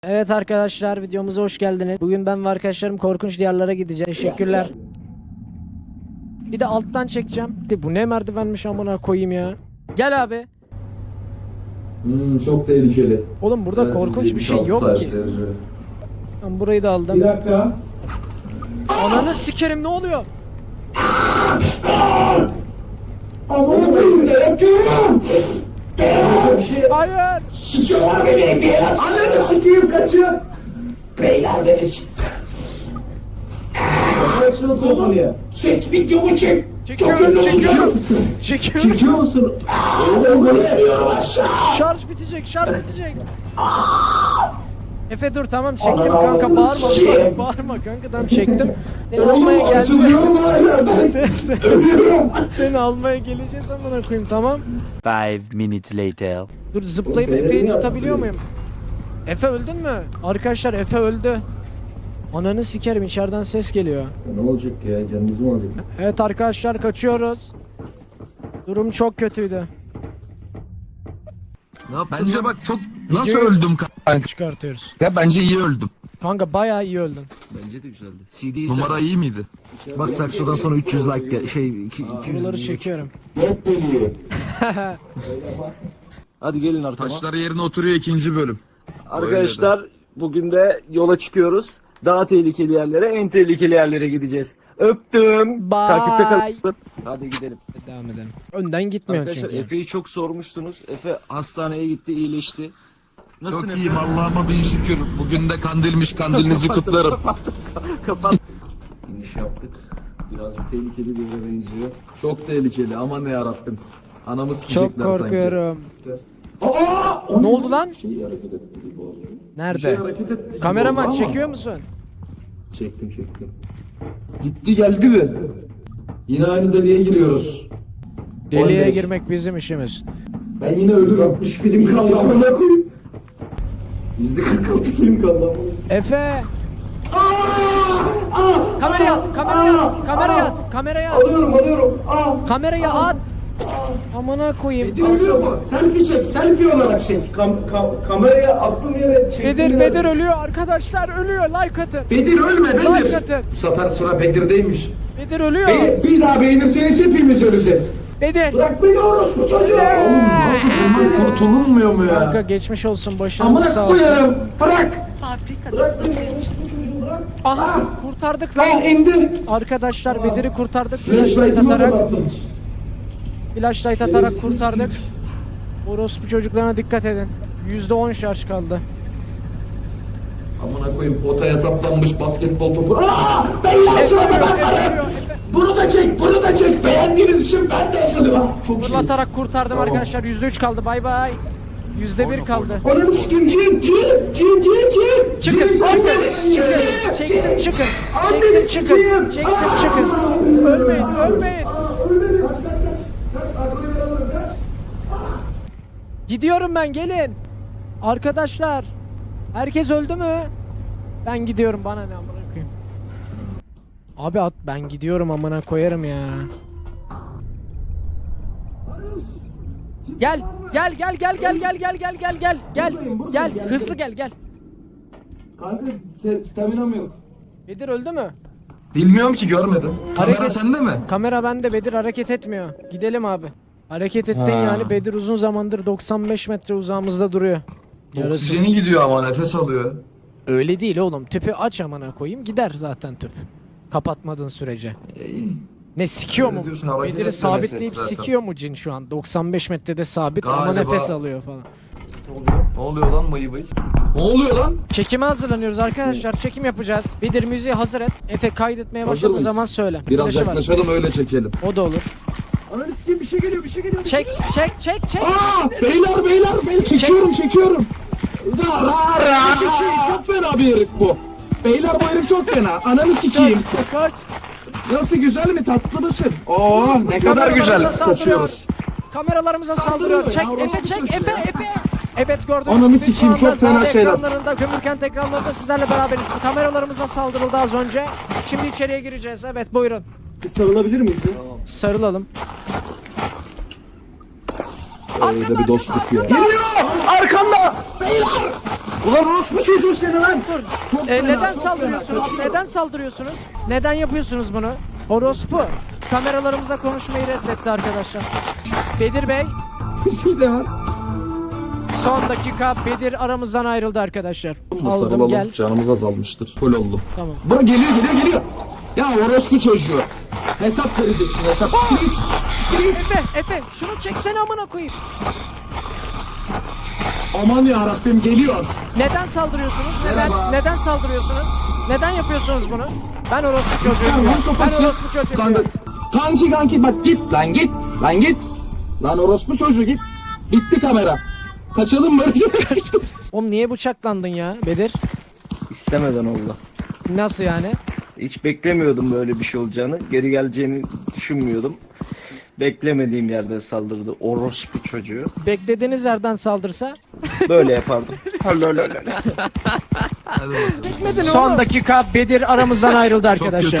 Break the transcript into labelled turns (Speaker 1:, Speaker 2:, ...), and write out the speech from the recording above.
Speaker 1: Evet arkadaşlar, videomuza hoş geldiniz. Bugün ben ve arkadaşlarım korkunç diyarlara gideceğiz. Teşekkürler. Bir de alttan çekeceğim. Bu ne merdivenmiş amına koyayım ya. Gel abi.
Speaker 2: Çok tehlikeli.
Speaker 1: Oğlum burada
Speaker 2: Evet,
Speaker 1: korkunç bir şey
Speaker 2: 76
Speaker 1: yok ki.
Speaker 2: saatlerce.
Speaker 1: Ben burayı da aldım.
Speaker 3: Bir dakika.
Speaker 1: Ananı sikerim, ne oluyor?
Speaker 3: Aman koyayım da yapıyorum. Bir şey
Speaker 1: Hayır.
Speaker 3: sikiyorlar beni bir ananı sikeyim kaçın. Beyler beni sikti. Kaçın konuya. Çek videomu çek.
Speaker 1: Çekiyorum. Çekiyorum.
Speaker 3: Çekiyor musun? Oğlum bunu veriyorum aşağı.
Speaker 1: Şarj bitecek. Efe dur, tamam çektim kanka, bağırma kanka, tamam çektim. Seni almaya
Speaker 3: Oğlum
Speaker 1: geldim.
Speaker 3: asılıyorum hala ben. Ölüyorum.
Speaker 1: Seni almaya geleceğiz amına koyayım, tamam.
Speaker 4: 5 minutes later.
Speaker 1: Dur, zıplayıp Efe'yi tutabiliyor muyum? Efe öldün mü? Arkadaşlar Efe öldü. Ananı sikerim, içeriden ses geliyor.
Speaker 3: Ne olacak ya, canınızı mı alacak?
Speaker 1: Evet arkadaşlar, kaçıyoruz. Durum çok kötüydü.
Speaker 5: Bence bak çok nasıl
Speaker 1: Videoyu-
Speaker 5: öldüm kanka?
Speaker 1: Çıkartıyoruz.
Speaker 5: Ya bence iyi öldüm.
Speaker 1: Kanka bayağı iyi öldün.
Speaker 6: Bence de güzeldi. CD'yi
Speaker 5: Numara iyi miydi?
Speaker 6: Bak Sakso'dan sonra 300 like şey 200
Speaker 1: Buraları çekiyorum.
Speaker 6: Hadi gelin arkama.
Speaker 5: Taşları yerine oturuyor ikinci bölüm.
Speaker 6: Arkadaşlar bugün de yola çıkıyoruz. Daha tehlikeli yerlere, en tehlikeli yerlere gideceğiz. Öptüm.
Speaker 1: Bye.
Speaker 6: Takipte kalın. Hadi gidelim.
Speaker 1: Devam edelim. Önden gitmiyor
Speaker 6: Arkadaşlar
Speaker 1: çünkü.
Speaker 6: Efe'yi çok sormuşsunuz. Efe hastaneye gitti, iyileşti. Nasılsın
Speaker 5: Çok
Speaker 6: Efe?
Speaker 5: iyiyim Allah'ıma bin şükür. Bugün de kandilmiş, kandilinizi kutlarım.
Speaker 6: Kapat.
Speaker 3: İniş yaptık. Birazcık tehlikeli bir yere benziyor.
Speaker 2: Çok tehlikeli, aman yarabbim. Anamı
Speaker 1: Çok
Speaker 2: sikecekler sanki.
Speaker 1: korkuyorum.
Speaker 3: Aa!
Speaker 1: Ne oldu lan?
Speaker 3: Şey hareket etti gibi oldu.
Speaker 1: Nerede?
Speaker 2: Bir şey hareket etti gibi
Speaker 1: Kameraman
Speaker 2: oldu ama.
Speaker 1: çekiyor musun?
Speaker 3: Çektim.
Speaker 2: Gitti geldi mi? Yine aynı deliğe giriyoruz.
Speaker 1: Deliğe
Speaker 2: Oley.
Speaker 1: girmek bizim işimiz.
Speaker 2: Ben yine ölürüm.
Speaker 3: 60 film kaldı amına koyayım. %46 film kaldı amına.
Speaker 1: Efe! Kameraya at, kameraya at.
Speaker 3: Alıyorum.
Speaker 1: Kameraya at. Amına koyayım.
Speaker 3: Ölüyor mu? Selfie olarak çek. Kameraya attığım yere çek.
Speaker 1: Bedir ölüyor arkadaşlar, ölüyor, like atın.
Speaker 2: Bedir ölme
Speaker 1: Like
Speaker 2: Bedir.
Speaker 1: atın.
Speaker 2: Bu sefer sıra Bedir'deymiş.
Speaker 1: Bedir ölüyor.
Speaker 2: Bir daha beğenirseniz hepimiz öleceğiz.
Speaker 1: Bedir.
Speaker 3: Bırak beni orospu çocuğu.
Speaker 2: Nasıl bundan kurtulunmuyor mu
Speaker 1: Kanka
Speaker 2: ya?
Speaker 1: geçmiş olsun, başınız sağ
Speaker 2: Amına
Speaker 1: olsun.
Speaker 2: koyarım. Bırak.
Speaker 1: Aha, kurtardık
Speaker 2: Al
Speaker 1: lan.
Speaker 2: indi.
Speaker 1: Arkadaşlar Bedir'i kurtardık. Flashlight
Speaker 2: Flashlight'ımı
Speaker 1: atarak,
Speaker 2: kapatmış.
Speaker 1: flashlight atarak kurtardık. Orospu çocuklarına dikkat edin. %10 şarj kaldı.
Speaker 2: Amına koyayım, potaya saplanmış basketbol topu.
Speaker 1: Efe ölüyor.
Speaker 3: Bunu da çek. Beğendiğiniz için ben de asılıyorum. Çok iyi.
Speaker 1: Fırlatarak kurtardım arkadaşlar. %3 kaldı. Bay bay. %1 kaldı.
Speaker 3: Ananı sikeyim. Cin.
Speaker 1: Çıkın. Çektim. Ölmeyin. Gidiyorum ben, gelin. Arkadaşlar. Herkes öldü mü? Ben gidiyorum, bana ne amına koyayım. Abi at, ben gidiyorum amına koyarım ya. Gel. Hızlı gel.
Speaker 2: Kanka staminam yok.
Speaker 1: Bedir öldü mü?
Speaker 5: Bilmiyorum ki görmedim. Kamera
Speaker 1: Hareket-
Speaker 5: sende mi?
Speaker 1: Kamera bende, Bedir hareket etmiyor. Gidelim abi. Hareket ettin yani, Bedir uzun zamandır 95 metre uzağımızda duruyor. Yarısı.
Speaker 5: Oksijeni gidiyor ama nefes alıyor.
Speaker 1: Öyle değil oğlum. Tüpü aç amına koyayım, gider zaten tüp. Kapatmadığın sürece. Ne sikiyor
Speaker 5: Öyle
Speaker 1: mu?
Speaker 5: diyorsun, hareket
Speaker 1: Bedir'i
Speaker 5: etmemesi
Speaker 1: sabitleyip
Speaker 5: zaten.
Speaker 1: sikiyor mu cin şu an? 95 metrede sabit ama
Speaker 5: Galiba.
Speaker 1: nefes alıyor falan.
Speaker 5: Ne oluyor lan mayı bayı? Ne oluyor lan?
Speaker 1: Çekime hazırlanıyoruz arkadaşlar. Çekim yapacağız. Bedir müziği hazır et. Efe kaydetmeye
Speaker 2: Hazır
Speaker 1: başladığı
Speaker 2: mıyız?
Speaker 1: zaman söyle.
Speaker 2: Biraz
Speaker 1: Flaşı var.
Speaker 2: yaklaşalım öyle çekelim.
Speaker 1: O da olur.
Speaker 3: Ananı sikeyim, bir şey geliyor.
Speaker 1: Çek.
Speaker 2: Aa, beyler ben çekiyorum. Çok fena bir herif bu. Beyler bu herif çok fena. Ananı sikeyim.
Speaker 1: Kaç.
Speaker 2: Nasıl, güzel mi, tatlı mısın? Ne kadar
Speaker 1: Kameralarımıza
Speaker 2: güzel.
Speaker 1: saldırıyor.
Speaker 2: Kaçıyoruz.
Speaker 1: Kameralarımıza saldırıyor. Çek
Speaker 2: ya,
Speaker 1: Efe,
Speaker 2: orası
Speaker 1: çek
Speaker 2: çocuğu
Speaker 1: Efe. Evet, gördüğünüz
Speaker 2: Ananı
Speaker 1: gibi şu
Speaker 2: sikeyim,
Speaker 1: anda
Speaker 2: çok fena
Speaker 1: Zade
Speaker 2: şeyler.
Speaker 1: ekranlarında, Kömürkent ekranlarında sizlerle beraberiz. Kameralarımıza saldırıldı az önce. Şimdi içeriye gireceğiz. Evet, buyurun.
Speaker 3: Bir sarılabilir miyiz ya?
Speaker 1: Sarılalım.
Speaker 2: Öyle bir dostluk ya.
Speaker 3: Arkamda! Beyler!
Speaker 6: Ulan orospu çocuğu seni lan.
Speaker 1: Dur.
Speaker 2: Çok fena,
Speaker 1: Neden
Speaker 2: çok
Speaker 1: saldırıyorsunuz?
Speaker 2: fena.
Speaker 1: Neden saldırıyorsunuz? Neden yapıyorsunuz bunu? Orospu. Kameralarımıza konuşmayı reddetti arkadaşlar. Bedir Bey,
Speaker 2: Bir şey de var.
Speaker 1: son dakika Bedir aramızdan ayrıldı arkadaşlar. Aldım
Speaker 2: Sarılalım,
Speaker 1: gel.
Speaker 2: canımız azalmıştır. Full oldu.
Speaker 1: Tamam.
Speaker 2: Bura geliyor. Ya orospu çocuğu. Hesap vereceksin hesap. Siktir git. Siktir git.
Speaker 1: Efe şunu çeksene amına koyayım.
Speaker 2: Aman ya Rabbim geliyor.
Speaker 1: Neden saldırıyorsunuz?
Speaker 2: Merhaba.
Speaker 1: Neden saldırıyorsunuz? Neden yapıyorsunuz bunu? Ben orospu çocuğuyum
Speaker 2: Lan
Speaker 1: ya. Ben
Speaker 2: kafası.
Speaker 1: orospu çocuğuyum ya.
Speaker 2: Kanki bak git lan git. Lan git. Lan orospu çocuğu git. Bitti kamera. Kaçalım mı? Siktir.
Speaker 1: Oğlum niye bıçaklandın ya Bedir?
Speaker 6: İstemeden oldu.
Speaker 1: Nasıl yani?
Speaker 6: Hiç beklemiyordum böyle bir şey olacağını. Geri geleceğini düşünmüyordum. Beklemediğim yerden saldırdı orospu çocuğu.
Speaker 1: Beklediğiniz yerden saldırsa?
Speaker 6: Böyle yapardım.
Speaker 1: Son dakika Bedir aramızdan ayrıldı
Speaker 5: Çok
Speaker 1: arkadaşlar.
Speaker 5: kötü